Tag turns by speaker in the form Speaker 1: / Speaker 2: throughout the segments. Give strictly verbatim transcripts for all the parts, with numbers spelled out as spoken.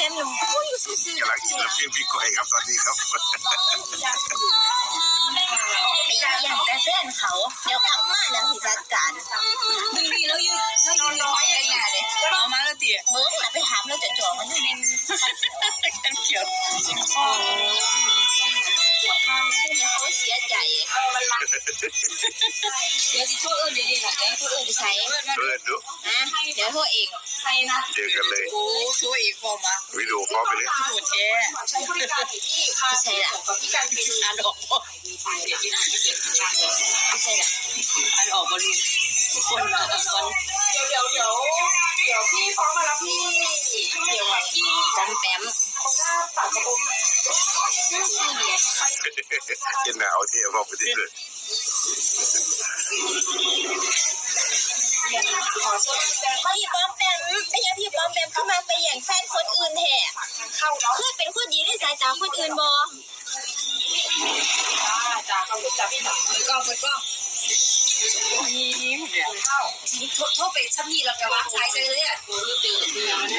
Speaker 1: มหนุ่มอุ้ยซื่อก
Speaker 2: ำลังกินน้ำพริกพี่ก้อยครับตอนนี้ครับ
Speaker 1: ไปเยี่ยมแต่แฟนเขาเดี๋ยวกลับมาแล้วที่จัดการ
Speaker 3: มึงดีแล้วอยู่แล้วอยู่น้อยยังไงเลยเอามาแล้วตี
Speaker 1: เบิ้งน่ะไปถามแล้วจะจ่อมันเป็น
Speaker 3: กันเขียว
Speaker 1: เนี่ยเขาเสียใจ
Speaker 3: เดี๋ยวจะโทษเอิญเดี๋ยวดีหน่อยเดี๋ยวโทษเอิญ
Speaker 1: ใช้
Speaker 2: เพื่อนดู
Speaker 1: นะเดี๋ยวโทษเอง
Speaker 3: ใครนะ
Speaker 2: เจอกันเลย
Speaker 3: โอ้โทษอีกพอมา
Speaker 2: วิดีโอคอลไปเลย
Speaker 3: โหดแท้
Speaker 1: ใช่ล่ะ
Speaker 3: อ่านออกบ่
Speaker 1: ใช่ล่ะ
Speaker 3: อ่านออกบ่ลูกทุกคนมาทุกคน
Speaker 4: เดี๋ยวเดี๋ยวเดี๋ยวเดี๋ยวพี่ฟ้องมาแล้วพี่เดี๋ยวพี่
Speaker 1: จำแปม
Speaker 4: เขาหน้าปากกระปุก
Speaker 1: ชื่อเสีย
Speaker 2: เย็นหนาวที่เราไปที่สุด
Speaker 1: พี่ป้อมแปมไม่ใช่พี่ป้อมแปมเข้ามาไปอย่างแฟนคนอื่นแท้เพื่อเป็นคนดีในสายตาคนอื่นบ่
Speaker 4: จ้าเขาพูดจ้าพี่หนุ่ม
Speaker 3: เปิดกล้องเปิดกล้องยิ้มเนี่ยโทษไปชั้นนี้เราจะวางสายเลยอ่ะโอ้ยตื่นเต้นมันจะ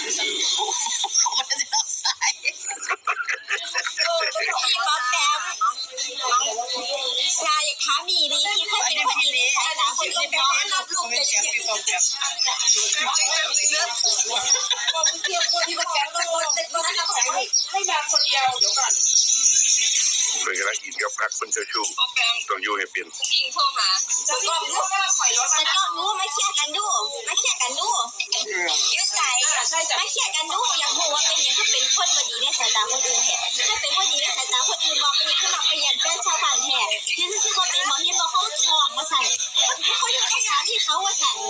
Speaker 3: รับสาย
Speaker 1: พี่ป้อมแปมชายอยากถามมีดีที่เคยเป็นคนดีในสายตาคนอื่นบ่
Speaker 3: รับลูกเป็นเสียงพี่ฟองแบบ
Speaker 4: บอกเทียบคนที่มาแกงก็หมดแต่ก็ให้ใช้ให้แบงคนเดียวเดี๋ยวก่อน
Speaker 2: เพื่อนกำลังกินกับพักคนเจ้าชู้ต้องอยู่ให้เป็น
Speaker 3: ยิงโทรหา
Speaker 4: จะก็รู้ว่าปล่อยรถ
Speaker 1: แต่ก็รู้มาเคลียร์กันดูมาเคลียร์กันดูยืดใจมาเคลียร์กันดูอยากรู้ว่าเป็นอย่างที่เป็นคนบดีในสายตาคนอื่นแท้ถ้าเป็นคนดีในสายตาคนอื่นบอกเป็นอย่างที่มาเปลี่ยนแฟนชาวบ้านแท้ยืนซื่อๆว่าเป็นหมอที่บอกเขาทองมาสั่นเขาอยู่ภาษาที่เขาว่าสั่น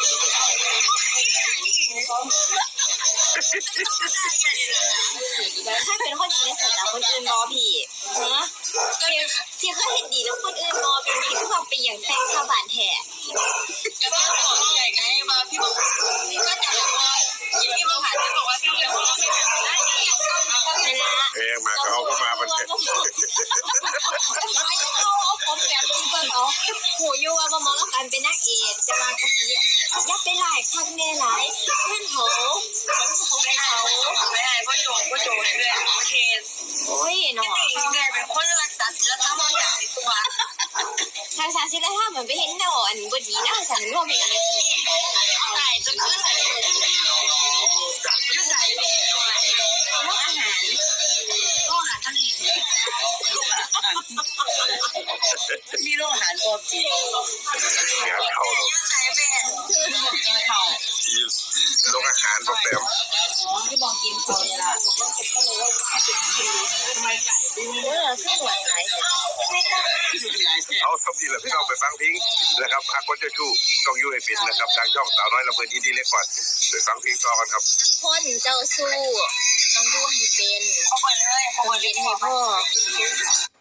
Speaker 1: ถ้าเป็นคนดีในสายตาคนอื่นบอพี่เนาะที่เขาเห็นดีแล้วคนอื่นบอเป็นที่เขาเป็นอย่างแฟนชาวบ้านแท้
Speaker 3: ก็ต้องบอกใหญ่ไงมาพี่บอกพี่ก็จะบอกว่าพี่บอกหาจะบอกว่าพี่เลี้ยงเราไม่ได้
Speaker 1: นั่นละ
Speaker 2: เอ๊ะมาเขาก็มามัน
Speaker 1: เอาเอาผมแบบที่เพิ่นเอาหูอยู่ว่าบ่มองแล้วกันเป็นนักเอกจะมากระสียับไปหลายครั้งแน่หลายเพื่อนเขาเขาไปเขา
Speaker 3: ไม่ได้พ่อโจพ่อโจเลยโอเค
Speaker 1: โอ้ยเนาะ
Speaker 3: เนี่ยเป็นคนรักษาศีลธรรมอย่างในตัว
Speaker 1: ทางศาสนาธรรมเหมือนไปเห็นเนาะอันบ่ดีนะสันร่วมเป็นอะไร
Speaker 3: ใช่จนขึ้นยืดใจเลย
Speaker 1: โรคอาหาร
Speaker 3: โรคอาหารทะเลมีโรคอาหารปกติ
Speaker 2: งานเข้า
Speaker 3: ยืดใจเป็นกินข้าว
Speaker 2: โรงอาหารโปรแกรม
Speaker 3: ที่บอกกินข้าวนี่ล่ะ
Speaker 1: ทำไมไก่เออขึ้นหวยหลาย
Speaker 2: เอาสมทีแล้วพี่น้องไปฟังเพลงนะครับหากคนเจ้าชู้ต้องอยู่ให้เป็นนะครับทางช่องสาวน้อยลำเพลินอินดี้เล็กก่อนไปฟังเพลงต่อกันครับ
Speaker 1: คนเจ้าสู้ต้องดูให้เป็น
Speaker 3: เขาเปิดเลยเขาเปิดเลย
Speaker 1: ให้พ่อ